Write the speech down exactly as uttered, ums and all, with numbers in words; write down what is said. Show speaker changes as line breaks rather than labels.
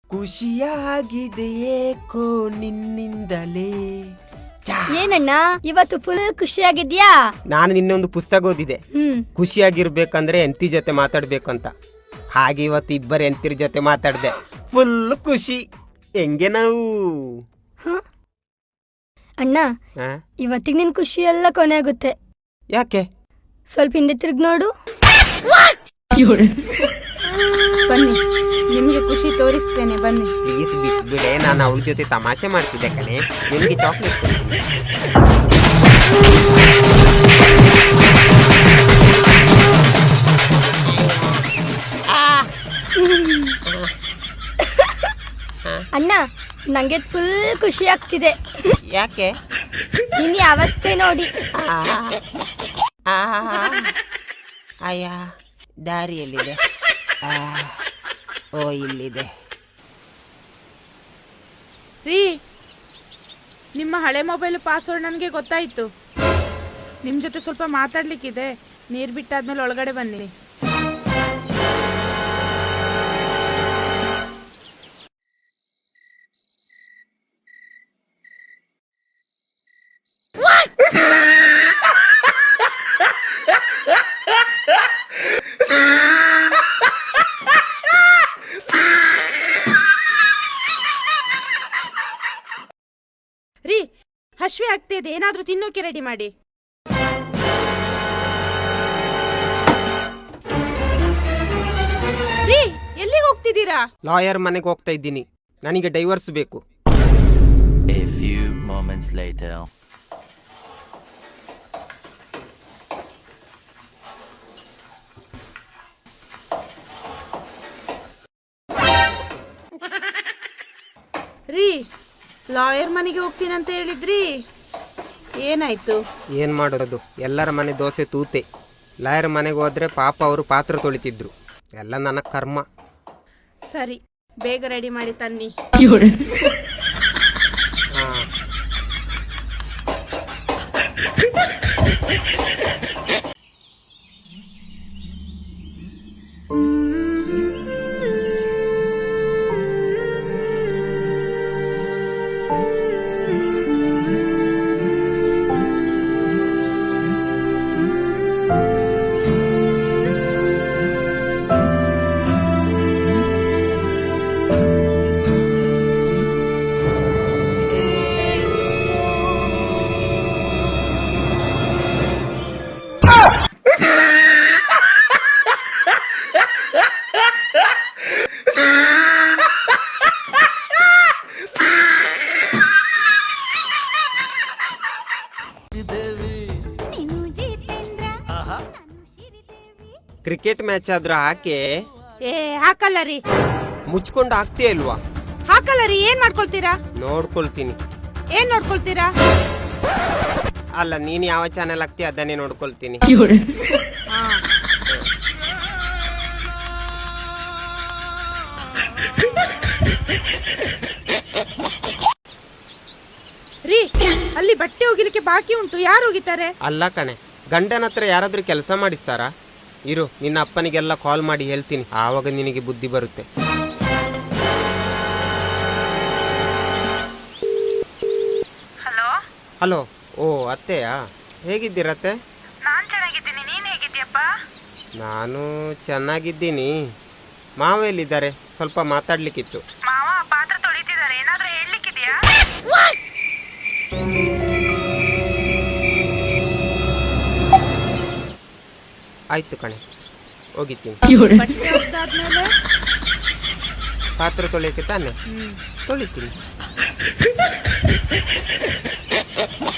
ಖುಷಿಯಾಗಿದೆ ಏಕೋ ನಿನ್ನಿಂದಲೇ.
ಏನಣ್ಣ ಇವತ್ತು ಫುಲ್ ಖುಷಿಯಾಗಿದ್ಯಾ?
ನಾನು ನಿನ್ನೆ ಒಂದು ಪುಸ್ತಕ ಓದಿದೆ,
ಹ್ಮ್
ಖುಷಿಯಾಗಿರ್ಬೇಕಂದ್ರೆ ಎಂತಿ ಜೊತೆ ಮಾತಾಡ್ಬೇಕಂತ. ಹಾಗೆ ಇವತ್ತು ಇಬ್ಬರು ಎಂತಿರ ಜೊತೆ ಮಾತಾಡ್ದೆ, ಫುಲ್ ಖುಷಿ. ಹೆಂಗೆ ನಾವು
ಅಣ್ಣ,
ಆ?
ಇವತ್ತಿಗೆ ನಿನ್ ಖುಷಿ ಎಲ್ಲ ಕೊನೆ ಆಗುತ್ತೆ.
ಯಾಕೆ?
ಸ್ವಲ್ಪ ಹಿಂದೆ ತಿರುಗಿ ನೋಡು.
ಬನ್ನಿ, ನಿಮ್ಗೆ ಖುಷಿ ತೋರಿಸ್ತೇನೆ ಬನ್ನಿ.
ಪ್ಲೀಸ್ ಬಿಟ್ಬಿಡೆ, ನಾನು ಅವ್ರ ಜೊತೆ ತಮಾಷೆ ಮಾಡ್ತಿದ್ದೆ ಕಣೆ. ನಿನಗೆ ಚಾಕ್ಲೇಟ್ ಕೊಡ್ತೀನಿ.
ಅಣ್ಣ, ನಂಗೆ ಫುಲ್ ಖುಷಿ ಆಗ್ತಿದೆ.
ಯಾಕೆ?
ನಿನ್ನ ಅವಸ್ಥೆ ನೋಡಿ.
ಅಯ್ಯ, ದಾರಿಯಲ್ಲಿದೆ. ಓ, ಇಲ್ಲಿದೆ.
ರೀ, ನಿಮ್ಮ ಹಳೆ ಮೊಬೈಲ್ ಪಾಸ್ವರ್ಡ್ ನನಗೆ ಗೊತ್ತಾಯಿತು. ನಿಮ್ಮ ಜೊತೆ ಸ್ವಲ್ಪ ಮಾತಾಡ್ಲಿಕ್ಕಿದೆ. ನೀರು ಬಿಟ್ಟಾದ್ಮೇಲೆ ಒಳಗಡೆ ಬನ್ನಿ. ರೀ, ಹಶ್ವೆ ಆಗ್ತಿದೆ, ಏನಾದ್ರೂ ತಿನ್ನೋಕೆ ರೆಡಿ ಮಾಡಿ. ರೀ, ಎಲ್ಲಿಗೆ ಹೋಗ್ತಿದ್ದೀರಾ?
ಲಾಯರ್ ಮನೆಗೆ ಹೋಗ್ತಾ ಇದ್ದೀನಿ. ನನಗೆ ಡೈವರ್ಸ್ ಬೇಕು.
A few moments later.
ರೀ, ಲಾಯರ್ ಮನೆಗೆ ಹೋಗ್ತೀನಂತ ಹೇಳಿದ್ರಿ, ಏನಾಯ್ತು?
ಏನು ಮಾಡೋದು, ಎಲ್ಲರ ಮನೆ ದೋಸೆ ತೂತೆ. ಲಾಯರ್ ಮನೆಗೆ ಹೋದ್ರೆ ಪಾಪ ಅವರು ಪಾತ್ರ ತೊಳಿತಿದ್ರು. ಎಲ್ಲ ನನ್ನ ಕರ್ಮ.
ಸರಿ, ಬೇಗ ರೆಡಿ ಮಾಡಿ ತನ್ನಿ.
ಹಾ. ಕ್ರಿಕೆಟ್ ಮ್ಯಾಚ್ ಆದ್ರೂ ಹಾಕಿ.
ಏ, ಹಾಕಲ್ಲ ರೀ.
ಮುಚ್ಕೊಂಡು ಹಾಕ್ತೀಯ ಇಲ್ವಾ?
ಹಾಕಲ್ಲ ರೀ. ಏನ್ ಮಾಡ್ಕೊಳ್ತೀರಾ?
ನೋಡ್ಕೊಳ್ತೀನಿ.
ಏನ್ ನೋಡ್ಕೊಳ್ತೀರಾ?
ಅಲ್ಲ, ನೀನ್ ಯಾವ ಚಾನೆಲ್ ಹಾಕ್ತೀಯ ಅದನ್ನೇ ನೋಡ್ಕೊಳ್ತೀನಿ.
ಹಾ. ರೀ, ಅಲ್ಲಿ ಬಟ್ಟೆ ಒಗಿಲಿಕ್ಕೆ ಬಾಕಿ ಉಂಟು. ಯಾರು ಒಗಿತಾರೆ?
ಅಲ್ಲ ಕಣೆ, ಗಂಡನ ಹತ್ರ ಯಾರಾದ್ರೂ ಕೆಲಸ ಮಾಡಿಸ್ತಾರಾ? ಇರು, ನಿನ್ನ ಅಪ್ಪನಿಗೆಲ್ಲ ಕಾಲ್ ಮಾಡಿ ಹೇಳ್ತೀನಿ, ಆವಾಗ ನಿನಗೆ ಬುದ್ಧಿ ಬರುತ್ತೆ.
ಹಲೋ.
ಹಲೋ. ಓ, ಅತ್ತೆಯಾ? ಹೇಗಿದ್ದೀರತ್ತೆ?
ನಾನ್ ಚೆನ್ನಾಗಿದ್ದೀನಿ, ನೀನ್ ಹೇಗಿದ್ದೀಯಪ್ಪ?
ನಾನು ಚೆನ್ನಾಗಿದ್ದೀನಿ. ಮಾವ ಎಲ್ಲಿದ್ದಾರೆ? ಸ್ವಲ್ಪ ಮಾತಾಡ್ಲಿಕ್ಕಿತ್ತು.
ಮಾವ ಪಾತ್ರ ತೊಳಿತಿದ್ದಾರೆ, ಏನಾದ್ರೂ ಹೇಳಲಿಕ್ಕಿದೆಯಾ?
ಆಯ್ತು ಕಣೆ, ಹೋಗಿದ್ದೀನಿ.
ಬಟ್ಟೆ ಒಗ್ದಾದ್ಮೇಲೆ
ಪಾತ್ರ ತೊಳೆಯಕ್ಕೆ ತಾನೆ ತೊಳಿತೀನಿ.